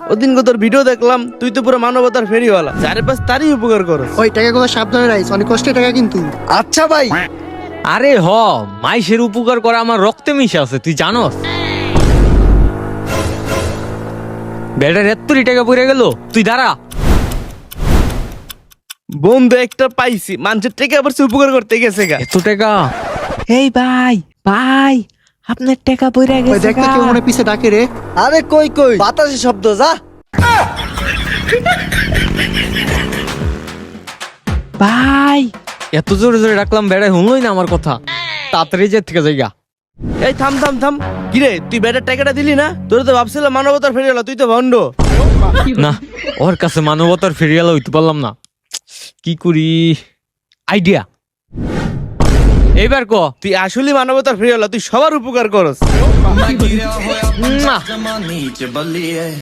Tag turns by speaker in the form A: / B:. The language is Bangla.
A: ওদিন তোর ভিডিও দেখলাম, তুই তো পুরো মানবতার ফেরিওয়ালা, চারিপাশ তারই উপকার করস।
B: ওই টাকাগুলো সাবধানে রাখিস, অনেক কষ্টের টাকা কিন্তু।
C: আচ্ছা ভাই।
D: আরে মাইশের উপকার করা আমার রক্তে মিশে আছে, তুই জানোস? বেটার 70 টাকা পড়ে গেল, তুই দাঁড়া।
A: বন্ধু একটা পাইছি, মানুষের টাকা আবার সে উপকার করতে গেছে গা।
D: এত টাকা? এই ভাই ভাই, আপনার টাকা পড়ে
B: ওই
D: গেছে
B: দেখ তো কেউ মনে হয় পিছে ডাকে রে।
C: আরে কই কই বাতাসে শব্দ, যা।
D: ভাই এত জোরে জোরে ডাকলাম, বেড়াই শুনলই না আমার কথা। তাড়াতাড়ি যে থেকে যাইগা।
A: এই থাম থাম থাম, কিরে তুই বেটার টাকাটা দিলি না? তোর তো ভাবছিলাম মানবতার ফেরিওয়ালা, তুই তো ভণ্ড।
D: না, ওর কাছে মানবতার ফেরিয়ালা হইতে পারলাম না, কি করি? আইডিয়া, এইবার ক।
A: তুই আসলে মানবতার ফেরিওয়ালা, তুই সবার উপকার করস।
D: মুয়া।